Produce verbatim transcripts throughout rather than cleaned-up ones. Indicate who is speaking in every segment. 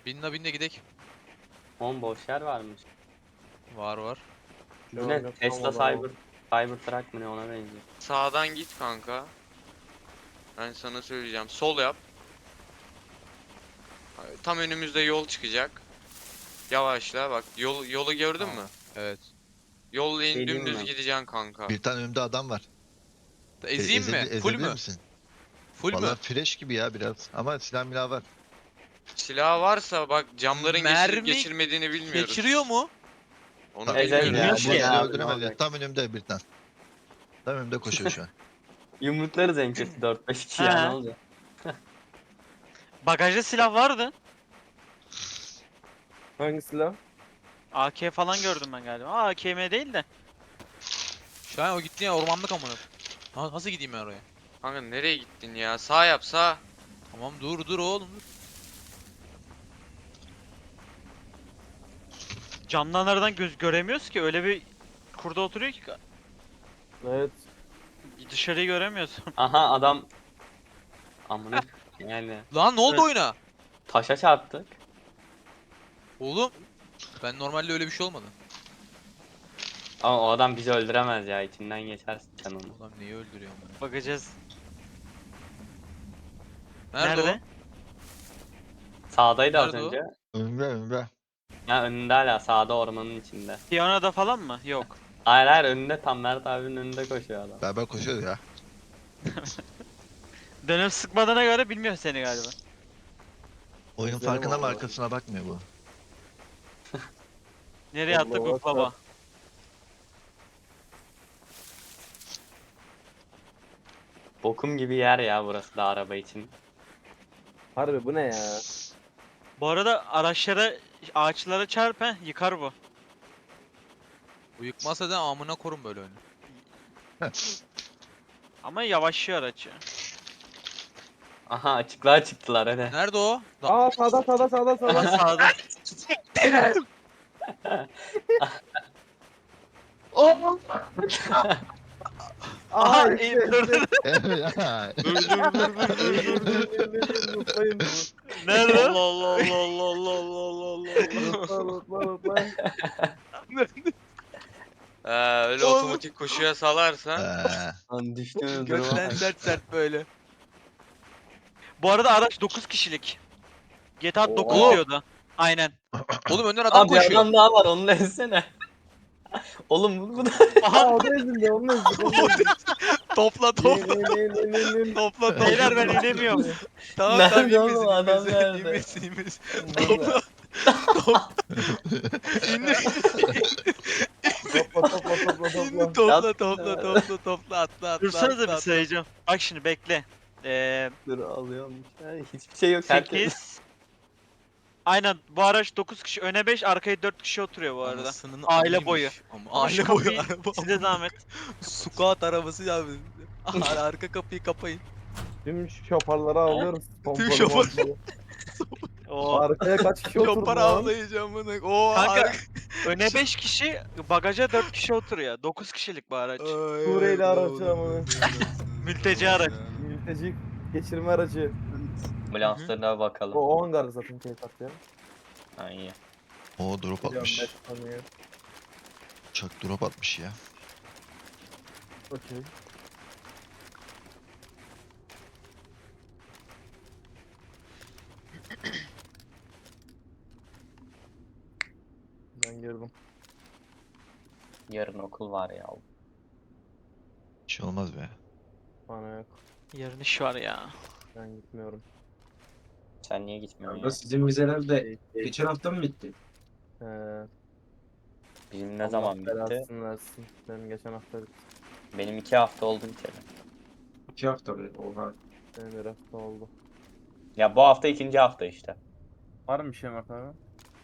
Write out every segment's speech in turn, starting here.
Speaker 1: Binle binle gidek.
Speaker 2: On boş yer varmış.
Speaker 1: Var var.
Speaker 2: Bu ne? Tesla Cyber Cybertruck mı ne, ona benziyor.
Speaker 3: Sağdan git kanka. Ben sana söyleyeceğim. Sol yap. Tam önümüzde yol çıkacak. Yavaşla bak. Yol, yolu gördün
Speaker 1: Tamam.
Speaker 3: mü?
Speaker 1: Evet.
Speaker 3: Yol
Speaker 2: Şey diyeyim
Speaker 3: dümdüz
Speaker 2: mi?
Speaker 3: gideceksin kanka.
Speaker 4: Bir tane önümde adam var. E,
Speaker 1: Ezeyim mi?
Speaker 4: ezebil-
Speaker 1: Full
Speaker 4: ezebilir
Speaker 1: mü?
Speaker 4: misin?
Speaker 1: Full mü?
Speaker 4: Vallahi fresh gibi ya biraz. Ama silah milah var.
Speaker 3: Silah varsa bak camların geçirip
Speaker 1: Mermi
Speaker 3: geçirmediğini bilmiyoruz.
Speaker 1: Geçiriyor mu?
Speaker 3: Onu
Speaker 4: Ta-
Speaker 2: Ezel
Speaker 3: bilmiyoruz.
Speaker 2: ya.
Speaker 4: Bu
Speaker 2: Şey
Speaker 4: bizi
Speaker 2: abi, ne
Speaker 4: öldüremez ya.
Speaker 2: olacak?
Speaker 4: Tam önümde bir tane. Tam önümde koşuyor şu an.
Speaker 2: Yumruklarız en kötü dört beş kişi
Speaker 5: He.
Speaker 2: ya, ne olacak?
Speaker 5: Bagajda silah vardı.
Speaker 6: Hangi silah?
Speaker 5: A K falan gördüm ben galiba. Aa, A K M değil de.
Speaker 1: Şu an o gitti ya ormanlık amına. Ha, nasıl gideyim ben oraya?
Speaker 3: Kanka nereye gittin ya? Sağ yap sağ.
Speaker 1: Tamam dur dur oğlum dur.
Speaker 5: Camdan aradan göz göremiyoruz ki. Öyle bir kurda oturuyor ki
Speaker 6: Evet.
Speaker 5: dışarıyı göremiyorsun.
Speaker 2: Aha adam. Amına yani
Speaker 1: Lan ne oldu
Speaker 5: Evet.
Speaker 1: oyuna?
Speaker 2: taşa çarptık.
Speaker 1: Oğlum. Ben normalde öyle bir şey olmadı.
Speaker 2: Ama o adam bizi öldüremez ya, içinden geçersin sen onu.
Speaker 1: Ulan neyi öldürüyorum ben?
Speaker 5: Bakacağız.
Speaker 1: Nerede,
Speaker 5: Nerede?
Speaker 2: Sağdaydı az
Speaker 1: Nerede o?
Speaker 2: önce.
Speaker 4: Önümde önümde.
Speaker 2: Ya önünde hala, sağda ormanın içinde.
Speaker 5: Piyanoda falan mı? Yok.
Speaker 2: Hayır hayır, önünde, tam Mert abinin önünde koşuyor adam.
Speaker 4: Beraber koşuyoruz ya.
Speaker 5: Dönüp sıkmadığına göre bilmiyor seni galiba.
Speaker 4: Oyunun
Speaker 6: İzlerim
Speaker 4: farkında mı,
Speaker 6: vallahi.
Speaker 4: arkasına bakmıyor bu.
Speaker 5: Nereye attık
Speaker 6: Allah
Speaker 5: bu baba?
Speaker 6: Allah.
Speaker 2: Bokum gibi yer ya burası da araba için.
Speaker 6: Harbi bu ne ya?
Speaker 5: Bu arada araçlara, ağaçlara çarp he, yıkar bu.
Speaker 1: Bu yıkmasa da amına korun böyle oyunu.
Speaker 5: Ama yavaşlıyor araç ya.
Speaker 2: Aha, açıklığa çıktılar hadi.
Speaker 1: Nerede o? Lan,
Speaker 6: Aa sağda sağda sağda
Speaker 5: Ama
Speaker 6: sağda.
Speaker 5: sağda.
Speaker 6: Aa
Speaker 5: Aha,
Speaker 6: işte,
Speaker 5: dur, dur,
Speaker 6: işte.
Speaker 4: Evet ya.
Speaker 5: Dur dur dur dur dur dur.
Speaker 6: Unutmayın.
Speaker 5: Nerede?
Speaker 3: Allah Allah Allah Allah Allah Allah
Speaker 6: Unutma
Speaker 3: Allah.
Speaker 6: unutma unutma.
Speaker 3: Ee, öyle
Speaker 1: Oğlum.
Speaker 3: otomatik koşuya salarsan.
Speaker 4: Ee,
Speaker 2: Lan düştüğünüz duruma
Speaker 1: Gökten
Speaker 2: bak.
Speaker 1: sert sert böyle.
Speaker 5: Bu arada araç dokuz kişilik. G T A dokuz
Speaker 6: Oo.
Speaker 5: diyordu. Aynen.
Speaker 1: Oğlum önden adam
Speaker 2: Abi
Speaker 1: koşuyor.
Speaker 2: adam daha var, onu da ezsene. Oğlum bu, bu da
Speaker 6: Aa o da ezildi onu da ezildi. Onu da ezildi.
Speaker 1: Topla
Speaker 6: Ne
Speaker 1: topla
Speaker 6: ne ne ne ne ne.
Speaker 1: topla topla.
Speaker 5: Beyler ben inemiyorum.
Speaker 1: Tamam
Speaker 2: Nerede
Speaker 1: tamam
Speaker 2: oğlum,
Speaker 1: inmesin
Speaker 2: adam
Speaker 1: inmesin
Speaker 2: nerede?
Speaker 1: inmesin inmesin.
Speaker 6: Burada.
Speaker 1: Topla. İndir.
Speaker 6: Topla topla topla
Speaker 1: İndir
Speaker 6: topla.
Speaker 1: topla
Speaker 2: Yat-
Speaker 1: topla topla topla atla atla
Speaker 5: Dursanıza
Speaker 1: atla,
Speaker 5: bir
Speaker 1: atla.
Speaker 5: sayacağım. Bak şimdi bekle. Ee,
Speaker 2: dur alıyormuş. Ya, hiçbir şey yok. Herkes.
Speaker 5: sekiz. Aynen bu araç dokuz kişi, öne beş, arkaya dört kişi oturuyor bu arada.
Speaker 1: Anasının
Speaker 5: Aile
Speaker 1: amıymış.
Speaker 5: boyu.
Speaker 1: Ama
Speaker 5: Ama şu
Speaker 1: aile boyu
Speaker 5: kapıyı
Speaker 1: araba.
Speaker 5: size zahmet.
Speaker 1: Squat arabası ya. Ar- Arka kapıyı kapayın.
Speaker 6: Tüm şoparları alıyorum. Pompalı,
Speaker 1: şopar-
Speaker 6: pompalı.
Speaker 5: Oo.
Speaker 6: Arkaya kaç kişi oturdu
Speaker 1: Yopar
Speaker 6: lan?
Speaker 1: avlayacağım bunu. Oo
Speaker 5: Kanka
Speaker 1: arka.
Speaker 5: öne beş kişi, bagaja dört kişi oturuyor. dokuz kişilik bu araç.
Speaker 6: Suriyeli aracı ama.
Speaker 5: Mülteci araç.
Speaker 6: Mülteci geçirme aracı.
Speaker 2: Ambulanslarına bakalım.
Speaker 6: O, o hangar zaten keyif ya.
Speaker 2: Ha, iyi.
Speaker 4: o drop atmış.
Speaker 6: Tanıyor.
Speaker 4: Uçak drop atmış ya.
Speaker 6: Okey. Ben girdim.
Speaker 2: Yarın okul var ya.
Speaker 4: Bir şey olmaz be.
Speaker 6: Bana yok.
Speaker 5: Yarın iş var ya.
Speaker 6: Ben gitmiyorum.
Speaker 2: Sen niye gitmiyorsun
Speaker 7: Kanka
Speaker 2: ya?
Speaker 7: sizin vizeler de
Speaker 6: Keyif, keyif.
Speaker 7: geçen hafta mı bitti?
Speaker 6: Ee,
Speaker 2: Bizim ne
Speaker 6: Allah
Speaker 2: zaman bitti?
Speaker 6: belasını versin. Benim geçen hafta bitti.
Speaker 2: Benim iki hafta oldu biteli.
Speaker 7: İki hafta mı? Oha.
Speaker 6: Benim bir hafta oldu.
Speaker 2: Ya bu hafta ikinci hafta işte.
Speaker 6: Var mı bir şey Mert abi?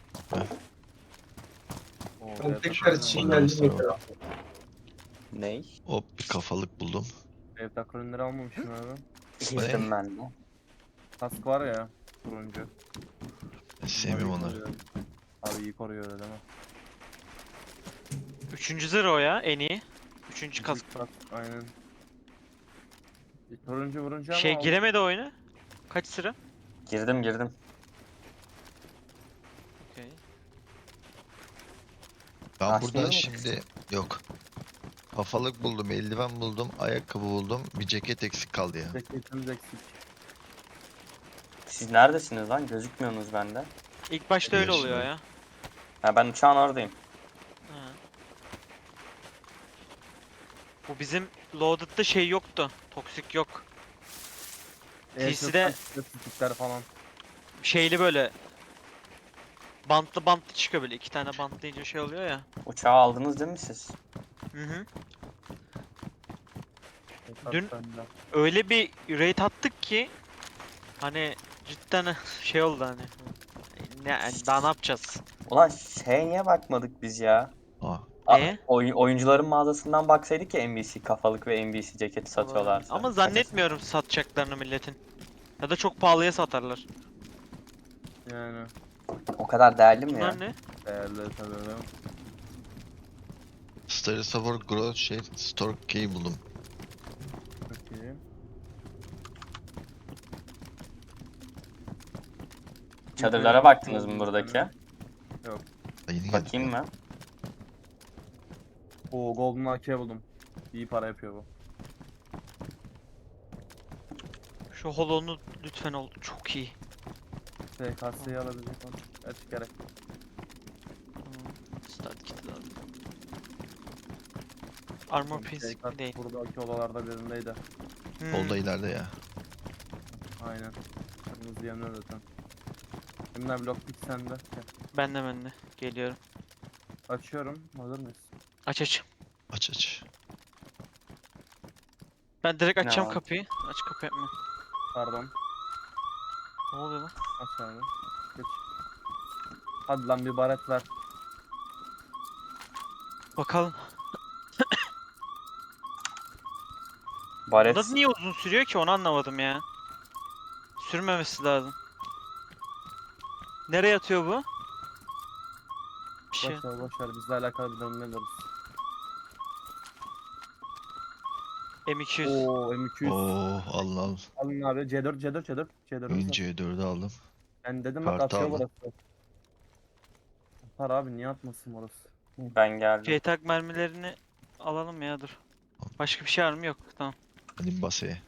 Speaker 6: Oo,
Speaker 7: Ben
Speaker 6: evet,
Speaker 7: tekrar
Speaker 6: evet.
Speaker 7: için
Speaker 4: Ondan
Speaker 7: geldim.
Speaker 4: sonra-
Speaker 2: Ney?
Speaker 4: Hop bir kafalık buldum.
Speaker 6: Evrak ürünleri almamışsın abi.
Speaker 2: Girdim ben de.
Speaker 6: Kask var ya. Turuncu.
Speaker 4: Ben sevmiyorum
Speaker 6: Abi iyi
Speaker 4: onları.
Speaker 6: koruyor. Abi iyi koruyor öyle değil mi?
Speaker 5: Üçüncü zırh o ya en iyi. Üçüncü kask.
Speaker 6: Kask, aynen. Bir turuncu vurunca ama
Speaker 5: Şey
Speaker 6: aldım.
Speaker 5: giremedi oyuna. Kaç sıra?
Speaker 2: Girdim girdim.
Speaker 4: Ben
Speaker 2: Lastiğini
Speaker 4: buradan
Speaker 2: mi
Speaker 4: şimdi yok. Kafalık buldum, eldiven buldum, ayakkabı buldum. Bir ceket eksik kaldı ya.
Speaker 6: Ceketimiz eksik.
Speaker 2: Siz neredesiniz lan? Gözükmüyorsunuz bende.
Speaker 5: İlk başta öyle
Speaker 4: Yaşında.
Speaker 5: oluyor ya.
Speaker 2: Ha, ben uçağın oradayım.
Speaker 5: Ha. Bu bizim Loaded'da şey yoktu. Toksik yok. T C'de
Speaker 6: Statistikler falan.
Speaker 5: şeyli böyle bantlı bantlı çıkıyor böyle. iki tane bantlayınca şey oluyor ya.
Speaker 2: Uçağı aldınız değil mi siz?
Speaker 5: Hı hı.
Speaker 6: Tekrar
Speaker 5: Dün-
Speaker 6: sende.
Speaker 5: Öyle bir raid attık ki hani cidden şey oldu hani. Ne, daha ne yapacağız?
Speaker 2: Ulan şeye niye bakmadık biz ya?
Speaker 4: Aa,
Speaker 2: A-
Speaker 5: Neye?
Speaker 2: oy- oyuncuların mağazasından baksaydık ya N B C kafalık ve N B C ceketi satıyorlarsa.
Speaker 5: Ama zannetmiyorum satacaklarını milletin. Ya da çok pahalıya satarlar.
Speaker 6: Yani
Speaker 2: O kadar değerli mi ya?
Speaker 5: Bunlar ne?
Speaker 6: değerli tabii.
Speaker 4: Starry Support Growth şey Store Key buldum.
Speaker 6: Çok iyi.
Speaker 2: Çadırlara baktınız mı buradaki?
Speaker 4: Ha, yeni geldi.
Speaker 2: Bakayım mı?
Speaker 6: Oo Golden A K buldum. İyi para yapıyor bu.
Speaker 5: Şu holonu lütfen ol. Çok iyi.
Speaker 6: S K S'yi alabilecek onu. Evet gerek.
Speaker 5: Tamam. Start kit lazım. Armor piece
Speaker 6: S K
Speaker 5: değil.
Speaker 6: buradaki odalarda birindeydi.
Speaker 5: Hmm.
Speaker 4: Solda ileride ya.
Speaker 6: Aynen. Kırmızı yanıyor zaten. Emre blok pik sende. Gel.
Speaker 5: Ben de ben de. Geliyorum.
Speaker 6: Açıyorum. Hazır mıyız?
Speaker 5: Aç aç.
Speaker 4: Aç aç.
Speaker 5: Ben direkt
Speaker 2: Ne
Speaker 5: açacağım
Speaker 2: var?
Speaker 5: kapıyı. Aç kapı yapma.
Speaker 6: Pardon.
Speaker 5: Ne oluyor lan?
Speaker 6: Aç abi. Geç. Hadi lan bir baret ver.
Speaker 5: Bakalım.
Speaker 2: Baret.
Speaker 5: Bunda niye uzun sürüyor ki onu anlamadım ya. Sürmemesi lazım. Nereye atıyor bu? Bir şey.
Speaker 6: Boş ver boş ver. Bizle alakalı bir durum ne deriz?
Speaker 5: M iki yüz.
Speaker 6: Oo M iki yüz.
Speaker 4: Oo, al al.
Speaker 6: Alın abi. C dört C dört C dört. C dört.
Speaker 4: Önce dördü aldım.
Speaker 6: Ben dedim bak
Speaker 4: Kartı
Speaker 6: atıyor
Speaker 4: aldım.
Speaker 6: burası. Atar abi niye atmasın orası?
Speaker 2: Ben geldim.
Speaker 5: J-Tag mermilerini alalım ya dur. Başka bir şey var mı? Yok. Tamam.
Speaker 4: Hadi basaya.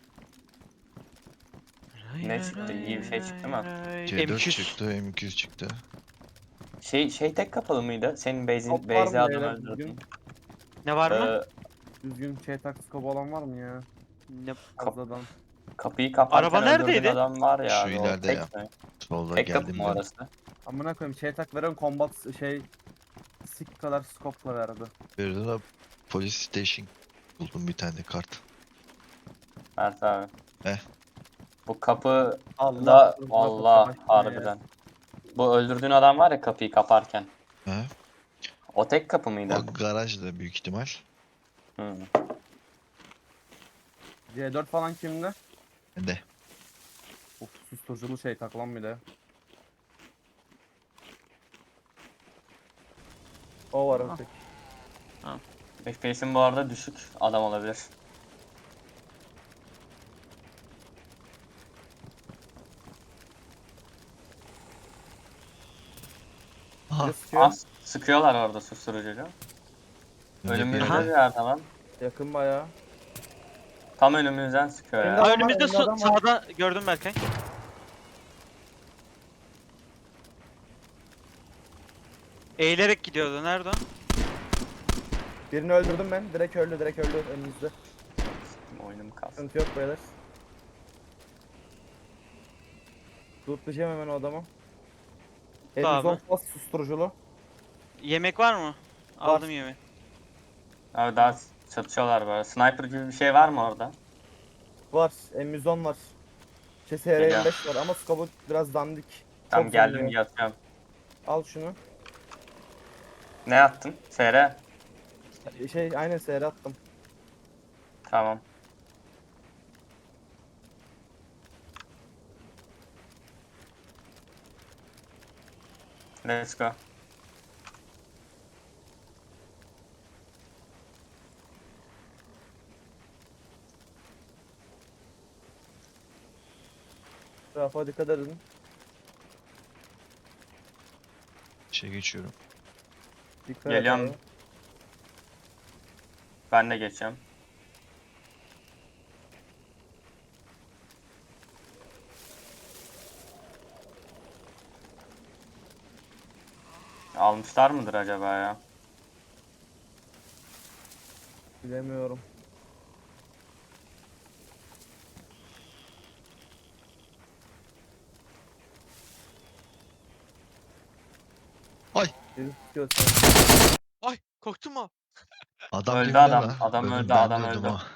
Speaker 2: Ne çıktı? İyi bir şey çıktı mı?
Speaker 4: C
Speaker 5: M
Speaker 4: dört
Speaker 5: iki yüz.
Speaker 4: çıktı, M iki yüz çıktı.
Speaker 2: Şey şey tek kapalı mıydı? Senin base'in
Speaker 6: Top var
Speaker 2: base'e
Speaker 6: mı
Speaker 2: adam
Speaker 6: beyler
Speaker 2: öldürdün.
Speaker 6: düzgün?
Speaker 5: Ne var mı?
Speaker 2: Ee,
Speaker 6: Düzgün şey tak scope olan var mı ya?
Speaker 5: Ne?
Speaker 6: Fazladan.
Speaker 2: kapıyı kaparken
Speaker 5: Araba
Speaker 2: öldürdüğün
Speaker 5: neredeydi?
Speaker 2: adam var ya.
Speaker 4: Şu
Speaker 2: abi, o
Speaker 4: ileride
Speaker 2: tek
Speaker 4: ya.
Speaker 2: mi?
Speaker 4: Solda
Speaker 2: Tek kapı
Speaker 4: geldim
Speaker 2: mı
Speaker 4: ben.
Speaker 2: orası?
Speaker 6: Amına koyayım şey tak veren combat şey sik kadar scope'la verdi.
Speaker 4: Bir de Police Station buldum bir tane kart.
Speaker 2: Mert abi.
Speaker 4: Heh.
Speaker 2: Bu kapı
Speaker 6: Allah
Speaker 2: da
Speaker 6: korusun,
Speaker 2: Allah
Speaker 6: kapı başına
Speaker 2: harbiden. Bu öldürdüğün adam var ya kapıyı kaparken.
Speaker 4: Ha?
Speaker 2: O tek kapı mıydı?
Speaker 4: O garajda büyük ihtimal.
Speaker 2: Hı.
Speaker 6: C dört falan kimde?
Speaker 4: De.
Speaker 6: Uf susturuculu şey tak lan bir de. O var öteki.
Speaker 2: F P S'in bu arada düşük adam olabilir.
Speaker 4: Aha.
Speaker 6: Biri sıkıyor.
Speaker 2: Az sıkıyorlar orada susturucucu. Önümüzde
Speaker 5: Aha.
Speaker 2: bir yerde lan.
Speaker 6: Yakın bayağı.
Speaker 2: Tam önümüzden sıkıyor
Speaker 6: Önde
Speaker 2: ya.
Speaker 5: Aa,
Speaker 6: var,
Speaker 5: önümüzde
Speaker 6: önde
Speaker 5: su-
Speaker 6: adam var.
Speaker 5: sağda gördüm Berkay. Eğilerek gidiyordu. Nerede o?
Speaker 6: Birini öldürdüm ben. Direkt öldü, direkt öldü önümüzde.
Speaker 2: Oyunum kalsın.
Speaker 6: Sıkıntı yok beyler. Lootlayacağım hemen o adamı.
Speaker 5: Tamam.
Speaker 6: Elimiz on susturuculu.
Speaker 5: Yemek var mı? Aldım yemeği.
Speaker 2: Abi daha çatışıyorlar böyle. Sniper gibi bir şey var mı orada?
Speaker 6: Var. M yüz on var. Şey S R yirmi beş var ama scope'u biraz dandik.
Speaker 2: Tam
Speaker 6: Çok
Speaker 2: geldim
Speaker 6: zorluyor.
Speaker 2: yatıyorum.
Speaker 6: Al şunu.
Speaker 2: Ne yaptın? S R.
Speaker 6: Şey aynen S R attım.
Speaker 2: Tamam. Let's go.
Speaker 6: Rafa dikkat edin.
Speaker 4: Şey geçiyorum.
Speaker 6: Dikkat et
Speaker 2: Geliyorum.
Speaker 6: abi.
Speaker 2: Ben de geçeceğim. Almışlar mıdır acaba ya?
Speaker 6: Bilemiyorum.
Speaker 4: Ay.
Speaker 6: Biri tutuyor seni.
Speaker 1: Ay korktun mu?
Speaker 4: Adam
Speaker 2: Öldü
Speaker 4: gibi
Speaker 2: adam,
Speaker 4: deme.
Speaker 2: adam
Speaker 4: Öldüm,
Speaker 2: öldü,
Speaker 4: ben
Speaker 2: adam
Speaker 4: de öldüm
Speaker 2: öldü.
Speaker 4: ha.